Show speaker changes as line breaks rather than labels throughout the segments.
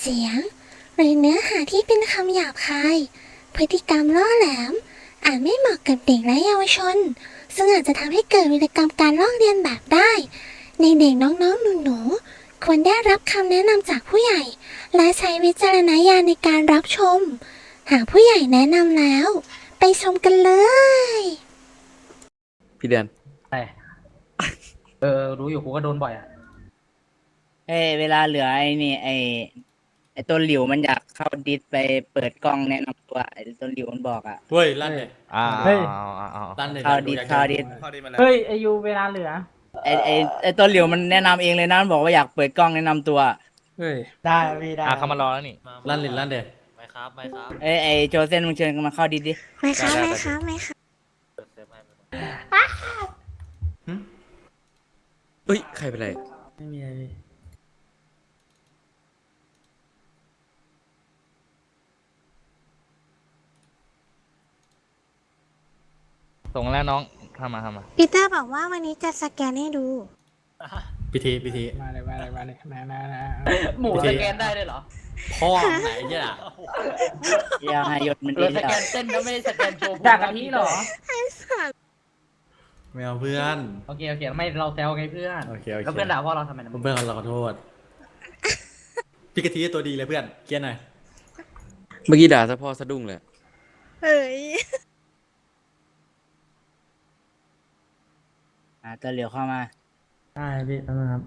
สียงหรือเนื้อหาที่เป็นคำหยาบคายพฤติกรรมล่อแหลมอาจไม่เหมาะกับเด็กและเยาวชนซึ่งอาจจะทำให้เกิดวิกรรมการลอกเลียนแบบได้ในเด็กน้องๆหนูๆควรได้รับคำแนะนำจากผู้ใหญ่และใช้วิจารณญาณในการรับชมหากผู้ใหญ่แนะนำแล้วไปชมกันเลย
พี่เดือน
รู้อยู่กูก็โดนบ่อยอ่ะ
เวลาเหลือไอ้นี่ไอ้ตัวหลิวมันอยากเข้าดิสไปเปิดกล้องแนะนำตัวไอ้ตัวหลิวมันบอกอ่ะ
เฮ้ยลั่นเลย
เฮ้ย
ลั่นเลย
เข้าดิสเข้าดิส
เฮ้ยไอยูเวลาเหลือ
ไอ้ตัวหลิวมันแนะนำเองเลยนะมันบอกว่าอยากเปิดกล้องแนะนำตัว
เฮ้ย
ได้พี่ได้
เขามารอแล้วนี่
ลั่นเลยลั่นเด็ด
ไม่ครับไม่ครับ
ไอ้โจเซนมึงเชิญมาเข้าดิสดิ
ไม่คะไม่คะไม่คะ
เซฟให้
เฮ้ยใครเป็นไร
ไม่มีอะไรพี่
ส่งแล้วน้องทำมา
ปีเตอร์บอกว่าวันนี้จะสแกนให้ดู
พิธี
มาเลยมา
หมูสแกนได้ด้วยเหรอ
พ่อไหนเนี่ย
อย่าให้ยศมัน
เรา
ดี
ส
แล้ว
แกนเต้นก็ไม่ได้สแกนโชว์จากกะทิเหรอ
ไม่เอาเพื่อน
โอเคไม่เราแซวไงเพื่อน
โอเค
แล้วเพื่อนด่าพ่อเราทำไมนะ
เพื่อนเราขอโทษพี่กะทิตัวดีเลยเพื่อนเกียร์หน่อยเมื่อกี้ด่าซะพ่อสะดุ้งเลย
เฮ้ย
ตัวหลิวเข้ามา
ได้พี่ครับ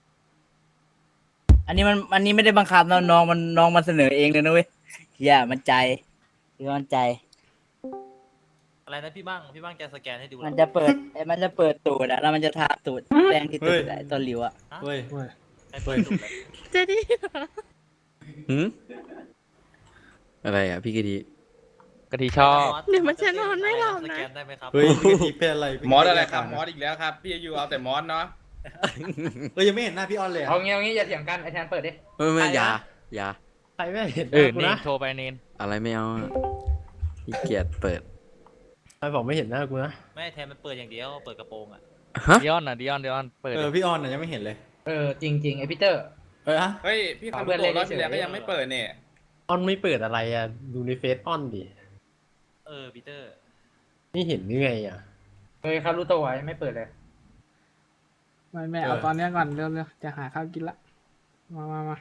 อันนี้ไม่ได้บังคับนะน้องมันเสนอเองเลยนะเว้ยอย่ามันใจพี่มันใจ
อะไรนะพี่บ้างจะสแกนให้ดู
มันจะเปิดตูดอะแล้วมันจะทาตูดแป้งที่ตูดไอ้ตัวหลิวอะ
เฮ้ย
ให้เปิดดูเลย
จะดี
หืมอะไรอ่ะพี่กะทิ
กะทิชอบ
เดี๋ยวมันจะนอนไม่หลับ
ส
นะ
แกนได้ไหมครับ
เฮ้ยพี่กะทิเป็นอะไร
มอสอะไรครับมอสอีกแล้วครับพี่อายุเอาแต่มอสเนาะ
เฮ้ยยังไม่เห็นหน้าพี่ออนเลย
เอางี้อย่าเถียงกันไอแทนเปิดดิ
ไม่อย่า
ใครไม่เห็น
เนนโทรไปเนน
อะไรไม่เอาพี่เกียรเปิด
ใครบอกไม่เห็นหน้ากูนะ
ไม่แทนมันเปิดอย่างเดียวเปิดกระโปรงอ่ะ
ฮะ
ดิออนเปิด
พี่ออนน่ะยังไม่เห็นเลย
จริงไอพีเตอร์
ฮะ
เฮ้ยพี่คาร์โตรอบที่แล้วก็ยังไม่เปิดเนี่ย
ออนไม่เปิดอะไรอ่ะดูในเฟซออนดิ
ปีเตอร์
นี่เห็นยังไงอ่ะ
คารุโตะไม่เปิดเลย
ไม่เอาตอนนี้ก่อนเร็วจะหาข้าวกินละมา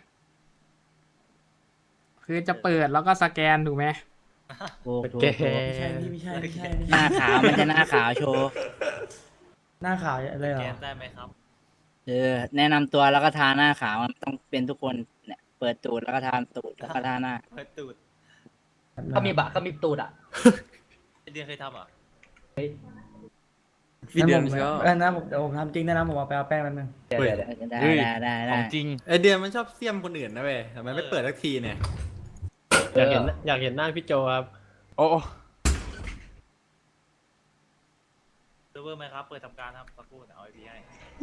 คือจะเปิดแล้วก็สแกนถูกไหม
ถูก
ไม่ใช่
หน้าขาวมันจะหน้าขาวโชว์
หน้าขาวอะไร
ส
เหร
แก
อน
ได้ไหมครับ
แนะนำตัวแล้วก็ทาหน้าขาวมันต้องเป็นทุกคนเนี่ยเปิดตูดแล้วก็ทาตูดแล้วก็ทาหน้า
เปิดตูด
เขามีตูดอ่ะ
เดือนเคยทำอ่ะ
พี่เดือนชอบ
นะผมทำจริงนะผมเอาไปเอาแป้งมันนึง
เดี๋ยวได้
ของจริง
ไอเดือนมันชอบเสี่ยมคนอื่นนะเว้ยทำไมไม่เปิดสักทีเนี่ย
อยากเห็นหน้าพี่โจครับ
โอ้เซิร์ฟเวอร์ไหมครับเปิดทำการครับสักครู่เดี๋ยวเอาไอพีให้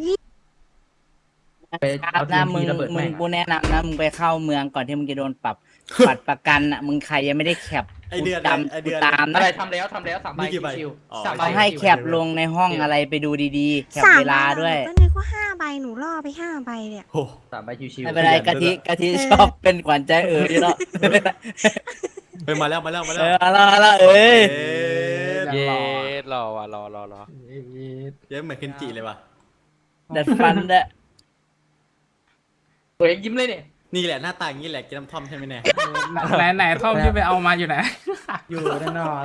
ครับนะมึงกูแนะนำนะมึงไปเข้าเมืองก่อนที่มึงจะโดนปรับบัตรประกันอ่ะมึงใครยังไม่ได้แคป
ไอเดือน
กูตาม
อะ
นะ
ไรทำแล้ว3 ใบ
นี่กี่ใบ
ชิว
อ๋อ
3 ใบ
เขาให้แคปลงในห้องอะไรไปดูดีๆแคปเวลาด้วย
ก็นึกว่า5 ใบหนูล่อไป5 ใบเนี่ย
โอ้
3 ใบชิว
ไม่เป็นไรกะทิชอบเป็นขวัญใจอยู่แล้ว
เฮ้ยมาแล้ว
เอาละเอ้ย
เย้รอว่ะรอ
เย้เหมือนเคนจิเลยว่ะ
ดัดฟันด้วย
ตัวเองยิ้มเลยเนี่ย
นี่แหละหน้าตาอย่างนี้แหละกินน้ำท่อมใช่ไหมเนี่ย
ไหนท่อมที่ไปเอามาอยู่ไหน
อยู่แน่นอน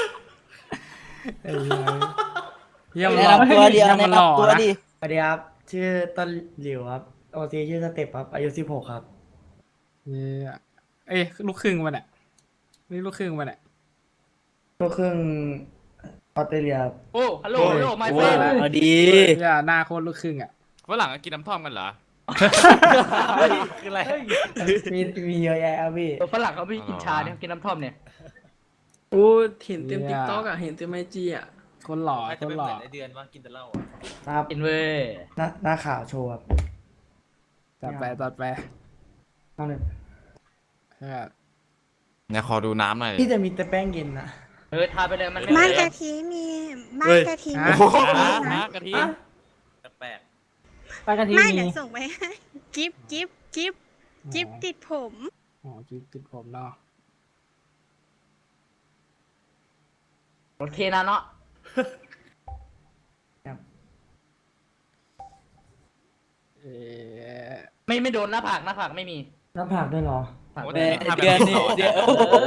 เยี่ยม
แนะ
หล่อน
ำตัวเดียว
เยี่ยม
แนะ
มันหล่อน
ำตัว
นะ
ดิ
สวัสดีครับ ชื่อต้นหลิวครับโอซีชื่อสเต็ปครับ อายุ16ครับ
เอ้ยลูกครึ่งมันอ่ะนี่ลูกครึ่งมันอ่ะ
ก็ครึ่งออสเตรเลียครับ
โอ้ฮัลโหลไม
โอ้
เฟรน
เอาดี
อย่าหน้าโคตรลูกครึ่งอ่ะ
ฝรั่งก็กินน้ำท่อมกันเหรอคืออะไร
มีเยอะแยะครับพี่
ฝรั่งเขาไม่กินชาเนี่ยกินน้ำท่อมเนี่ย
โอ้เห็นเต็มติ๊กต็อกอะเห็นเต็มไอจีอะ
คนหล่อ
อาจ
ค
จะ
น
ไม่
ห
เห
ล่อ
มือนไอเดือนว่ากินแต่เหล้าอ่ะ
นะครับ
กินเว้ย
หน้าขาวโชว์ครับ
จัดไป
เอาหนึ่ง
เนี่ยขอดูน้ำหน่อย
พี่จะมีแต่แป้งเย็นนะ
ทาไปเลยมัน
บ้านกะทิมีบ้านกะทิมี
น้ำกะทิแปลก
ไปกันที
ไม่
มี
เดี๋ยวส่งไปให้กิฟติดผม
อ๋อกิ๊กติดผมเนาะ
รถเทนะเนาะ
เอ๊ะ
ไม่โดนหน้าผากไม่มี
หน้าผากด้วยเหรอ
ผาก
โอ้
ไม่
แต่
มี
นี่ทำ
เดือนนี้
แบบ
เดือน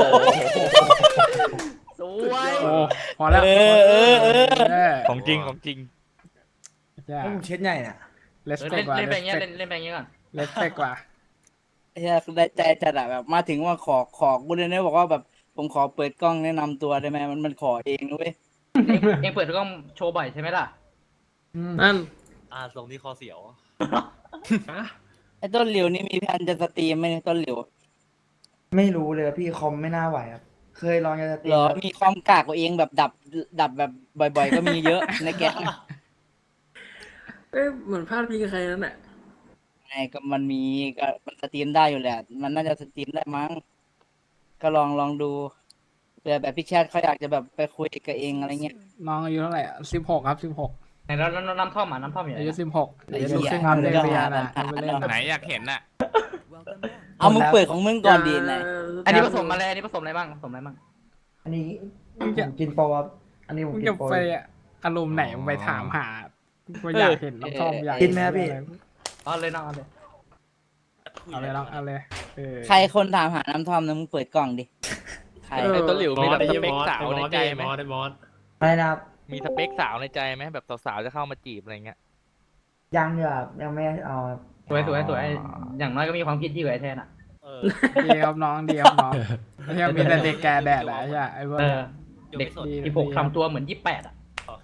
สวย
โอ้พอแล้ว
เออ
ของจริงของจริง
ใช่
เช็ดใหญ่น่ะ
เลส
เออ
เปก
เล่น
กว่า
เล่นไปอย่างเงี้ยเล่นไปอย่างเงี้ยก่อน
เลสเปกกว่า
ไอ้เหี้ยได้ใจจัดอะแบบมาถึงว่าขอกูเลยนะบอกว่าแบบผมขอเปิดกล้องแนะนำตัวได้ไหมมันขอเองนะเว้ย
เองเปิดกล้องโชว์บ่อยใช่ไหมล่ะ
นั่น
ทรงที่คอเสียว
ไอ้ต้นหลิวนี่มีแผนจะสตรีมไหมเนี่ยต้นหลิว
ไม่รู้เลยพี่คอมไม่น่าไหวครับ เคยลองจะสตรี
เหร
ม
อ
ครับ
มีความกากตัวเองแบบดับแบบบ่อยๆ ก็มีเยอะในแก๊งอะ
เอ้ยเหมือนพลาดพิงกับใครนั่นแหละ
ไงก็มันมีก็มันสตรีมได้อยู่แหละ มันน่าจะสตรีมได้มั้งก็ลองดูเผื่อแบบพี่แชทเขาอยากจะแบบไปคุยกับเองอะไรเงี้ย
น้องอายุเท่าไหร่16 ครับ 16
ไหนแล้วน้ำท่อมน้ำท่อมอยู่ไหน
อายุ
อะ
16เดี๋ยวดูขึ้นครับเรียนเรียนนะไปเล่น
ไหนอยากเห็นน่ะ
เอามึงเปิดของมึงก่อนดีไหน
อันนี้ผสมอะไรอันนี้ผสมอะไรบ้างผสมอะไรบ้าง
อันนี้ผมกินโปรครับ อันนี้ผม
มึง
กิ
จะ
นโปร
ไปอารมณ์ไหนมึงไปถามหากูอยากเห็นน้ำท่อมอยาก
กินไหมครับพี่
เอาเลยน้องเอาเลย
เอาเลยน้องเอาเลยเออ
ใครคนถามหาน้ำท่อมนะมึงเปิดกล่องดิใคร
ไอ้ต้นหลิวมีแบบสเปค
สาวในใจไหม
ไม่นะครับ
มีสเปคสาวในใจไหมแบบสาวๆจะเข้ามาจีบอะไรเงี้ย
ยังอยู่ครับยังไม่เอาครับ
สวยอย่างน้อยก็มีความคิดที่กว่าไอ้แทนอ่ะ
ดีครับน้องดีครับน้องไม่ใช่มีแต่เด็กแก่แดดอะไอ้เหี้ยไอ้พวก
เอ
เนี้
อย เด็ก16ทำตัวเหมือน28อ่ะ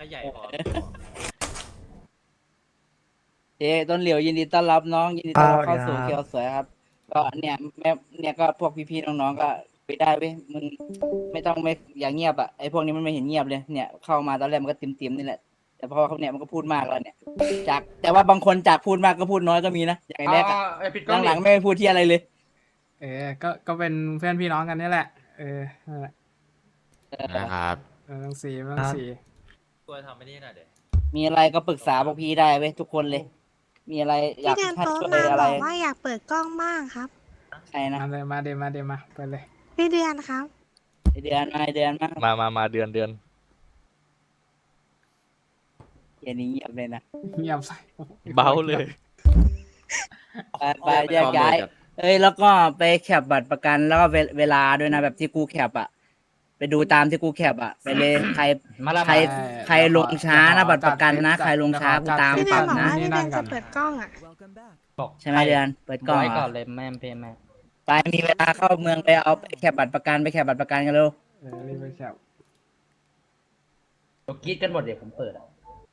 เจ๊ต้นเหลียวยินดีต้อนรับน้องยินดีต้อนรับเข้าสู่เคียวสวยครับ ก็เนี่ยแม่เนี่ยก็พวกพี่ๆน้องๆก็ไปได้เว้ยมึงไม่ต้องไม่อย่างเงียบอ่ะไอ้พวกนี้มันไม่เห็นเงียบเลยเนี่ยเข้ามาตอนแรกมันก็ติมๆนี่แหละแต่พอเขาเนี่ยมันก็พูดมากแล้วเนี่ยจากแต่ว่าบางคนจากพูดมากก็พูดน้อยก็มีนะอย่างไอ้แรกอะ
ไอ้ปิดกล้อง
หลังๆไม่พูดที่อะไรเลย
ก็เป็นเพื่อนพี่น้องกันนี่แหละนั่นแหละ
นะครับ
ต้องสี
ตัวทำไม่ได้หน่อยเดี๋ยว
มีอะไรก็ปรึกษาพวกพี่ได้เว้ยทุกคนเลย มีอะไรอยาก
พี่เดือน
ให้
โต๊ะ
ช่วย
มา
อะไร
บอกว่าอยากเปิดกล้องบ้างครับ
ใครนะ
มาเลยมาเดมาไปเลย
พี่เดือนครับ
ไอ้เดือนมาไอ้เดือนมา
มาเดือน
เย็นนี้เงียบเลยนะ
เงียบใส่
เบาเลย
ไปแยกย้ายเอ้ยแล้วก็ไปแคปบัตรประกันแล้วก็เวลาด้วยนะแบบที่กูแคปอะไปดูตามที่กูแคปอะไปเลย
มาละ
ใครลงช้านะบัตรประกันนะใครลงช้ากูตาม
พี่เดื
ป
อน
รับ
บอก
นะ
ว่าพี่เดือนจะเปิดกล้องอ่ะ
ใช่ไหมเดือนเปิดกล้อง
ไว้
เหร
ก่อ
อน
เลยแม่เพย์แม่
ไปมีเวลาเข้าเมืองไปเอาไปแคปบัตรประกันไปแคปบัตรประกันกันเร็ว
รีบไปแคป
กรีดกันหมดเดี๋ยวผมเปิดอ่ะ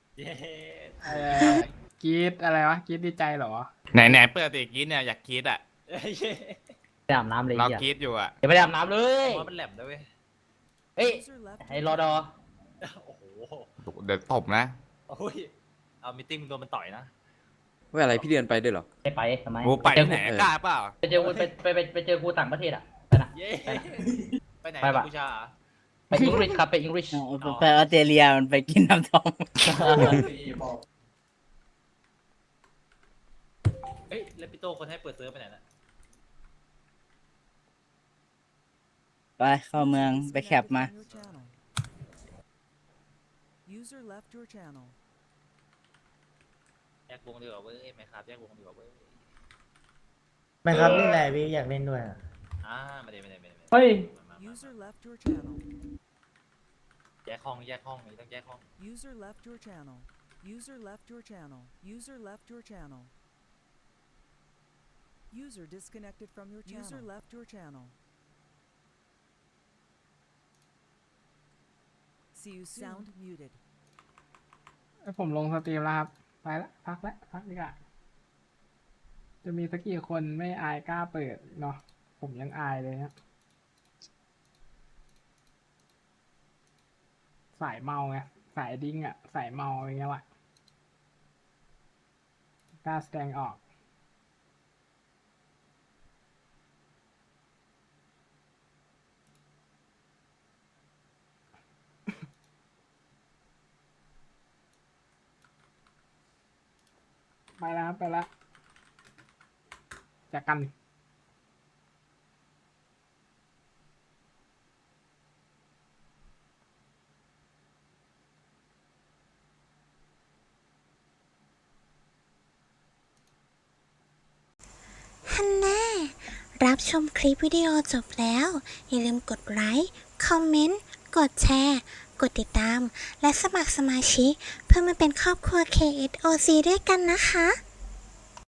กรีดอะไรวะกรีดดีใจเหรอ
ไหนเปิดติกรีดเนี่ยอยากกรีดอ่ะ
ไปอาบน้ำเลย
เรา
อย่าก
รีดอยู่อ่ะ
เดี๋ยวไปอาบน้ำเลย
ว่ามันแหลมด้วยเว้ย
เอ้ยไอ้รอดอ
โอ้โห
เดี๋ยวตบนะ
โอ้ยเอามิทติ้งโดนมันต่อยนะ
ว่าอะไรพี่เดือนไปด้วยเหรอ
ไปทำไม
โอ้ไป
เจอ
ไหน
กู
กล้าเปล่า
ไปเจอกูไปเจอกูต่างประเทศอ่ะไปนะ
เย้ ไปไหน
ไปปะ
กัมพูชาเหรอ
ไปอังกฤษครับไปอังกฤษ
ไปออสเตรเลียมันไปกินน้ำท่อม
เฮ้ยแล้วพี่โตคนให้เปิดเซิร์ฟไปไหนน่ะ
ไปเข้าเมืองไปแคปมา
แยกวงดีกว่าเว้ยไม่ครับแยกวงดีกว่าเว้ย
ไม่ครับนี่แหละพี่อยากเล่นด้วยอะ
ไม่ได้
เฮ้ย
มาแยกห้องนี่ต้องแยกห้อง
User left your channel. User left your channel. User left your channel. User disconnected from your channel. User left your channel. See you soon. Sound muted.
ผมลงสตรีมแล้วครับไปละพักดีกว่าจะมีสักกี่คนไม่อายกล้าเปิดเนาะผมยังอายเลยฮะสายเมาไงสายดิ้งอ่ะสายเมาอย่างเงี้ยว่ะกล้าแสดงออกไปแล้วครับไปแล้วจากกัน
ฮันแน่รับชมคลิปวิดีโอจบแล้ว อย่าลืมกดไลค์ คอมเมนต์ กดแชร์ กดติดตาม และสมัครสมาชิกเพื่อมาเป็นครอบครัว KSOC ด้วยกันนะคะ